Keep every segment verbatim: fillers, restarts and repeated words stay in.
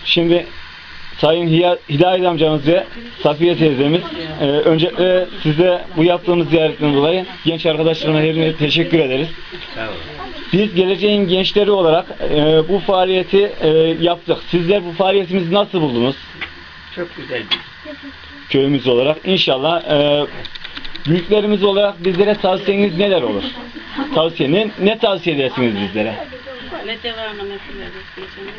Şimdi Sayın Hiya- Hidayet amcamız ve Safiye teyzemiz, e, öncelikle size bu yaptığımız ziyaretten dolayı genç arkadaşlarına hepinize teşekkür ederiz. Biz geleceğin gençleri olarak e, bu faaliyeti e, yaptık. Sizler bu faaliyetimizi nasıl buldunuz? Çok güzel. Köyümüz olarak. İnşallah e, büyüklerimiz olarak bizlere tavsiyeniz neler olur? Tavsiye ne, ne tavsiye edersiniz bizlere? Ne devamını yapıyoruz?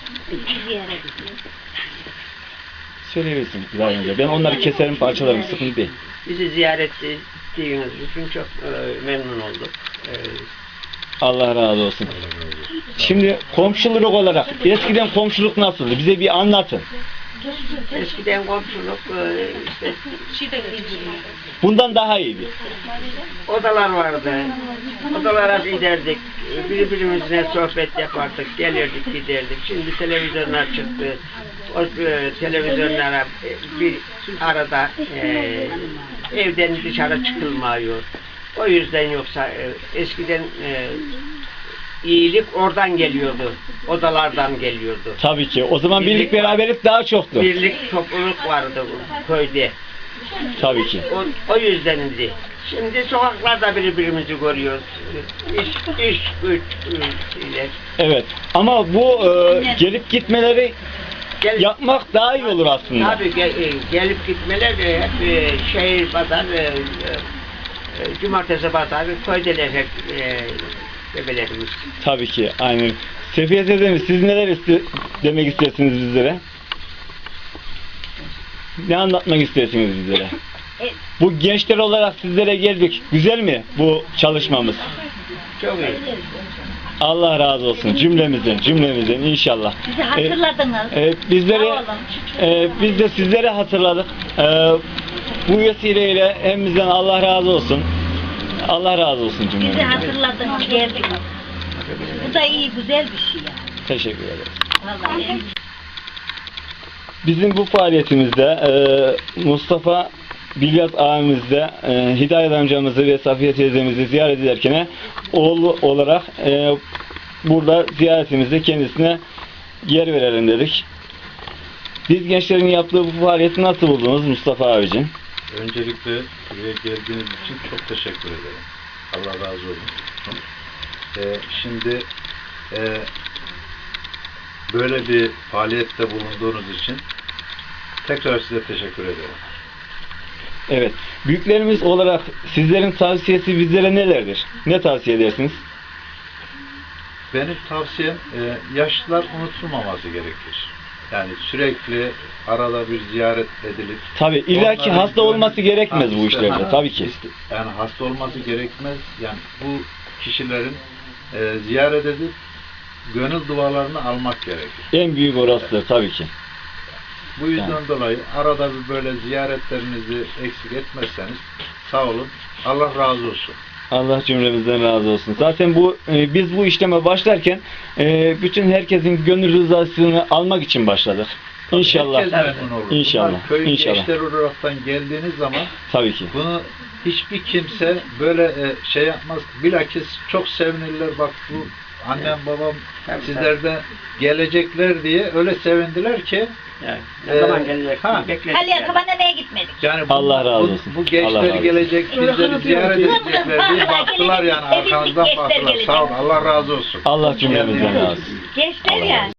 Söyleyebilirsin Hidayet amca. Ben onları keserim, parçalarım, sıkıntı değil. Bizi ziyaret ettiğiniz için çok e, memnun olduk. E, Allah razı olsun. Şimdi komşuluk olarak eskiden komşuluk nasıldı? Bize bir anlatın. eskiden komşuluk e, işte Bundan daha iyiydi. odalar vardı. Odalara giderdik. Birbirimizle sohbet yapardık. Gelirdik giderdik. Şimdi televizyonlar çıktı. O e, televizyonlara e, bir arada e, evden dışarı çıkılmıyor. O yüzden yoksa e, eskiden e, iyilik oradan geliyordu. Odalardan geliyordu. Tabii ki. O zaman birlik, Birlik var. beraberlik daha çoktu. Birlik, topluluk vardı bu köyde. Tabii ki. O, o yüzdendi. Şimdi sokaklarda birbirimizi görüyoruz. İş, iş, güç, şeyler. Evet. Ama bu e, gelip gitmeleri Gel, yapmak daha iyi olur aslında. Tabii gel, e, gelip gitmeler de hep e, şehir pazar, e, e, cumartesi pazar, köydeler hep e, bebelerimiz. Tabii ki. Aynen. Sefiye teyzemiz, siz neler iste demek istersiniz bizlere? Ne anlatmak istersiniz bizlere? Bu gençler olarak sizlere geldik. Güzel mi bu çalışmamız? Çok iyi. Allah razı olsun cümlemizden, cümlemizden inşallah. Bizi hatırladınız. E, e, bizleri, Sağ olun. e, biz de sizlere hatırladık. E, bu vesileyle hepimizden Allah razı olsun. Allah razı olsun Bizi cümlemizden. hatırladınız, geldiniz. Bu da iyi, güzel bir şey yani. Teşekkür ederiz. Vallahi. Bizim bu faaliyetimizde e, Mustafa Bilyat ağamızda e, Hidayet amcamızı ve Safiye teyzemizi ziyaret ederken oğlu olarak e, burada ziyaretimizde kendisine yer verelim dedik. Biz gençlerin yaptığı bu faaliyeti nasıl buldunuz Mustafa abicim? Öncelikle buraya geldiğiniz için çok teşekkür ederim. Allah razı olsun. Ee, şimdi e, böyle bir faaliyette bulunduğunuz için tekrar size teşekkür ederim. Evet. Büyüklerimiz olarak sizlerin tavsiyesi bizlere nelerdir? Ne tavsiye edersiniz? Benim tavsiyem e, yaşlılar unutulmaması gerekir. Yani sürekli arada bir ziyaret edilip Tabii illaki onların hasta olması gönül- gerekmez Ha, bu işte, işlerde. ha, Tabii ki. işte, yani hasta olması gerekmez. Yani bu kişilerin e, ziyaret edip gönül dualarını almak gerekir. En büyük orasıdır tabii ki. Bu yüzden Yani. dolayı arada bir böyle ziyaretlerinizi eksik etmezseniz sağ olun. Allah razı olsun. Allah cümlemizden razı olsun. Zaten bu e, biz bu işleme başlarken e, bütün herkesin gönül rızasını almak için başladık. İnşallah. Herkes memnun olur. İnşallah. Bunlar köyün İnşallah. gençler olaraktan geldiğiniz zaman Tabii ki. bunu hiçbir kimse böyle e, şey yapmaz. Bilakis çok sevinirler. Bak bu annem babam Tabii, sizlerden gelecekler diye öyle sevindiler ki Yani, ne Ee, zaman gelecek? ha. Bekledik Halil yani. Kaban'a gitmedik? yani bu, Allah razı bu- olsun. bu Allah gençler razı olsun. gelecek, bizleri ziyaret edecekler diye baktılar yani Evlilik arkanızdan gençler baktılar. gelecek. Sağ olun. Allah razı olsun. Allah cümlemizden razı olsun. Gençler Allah yani.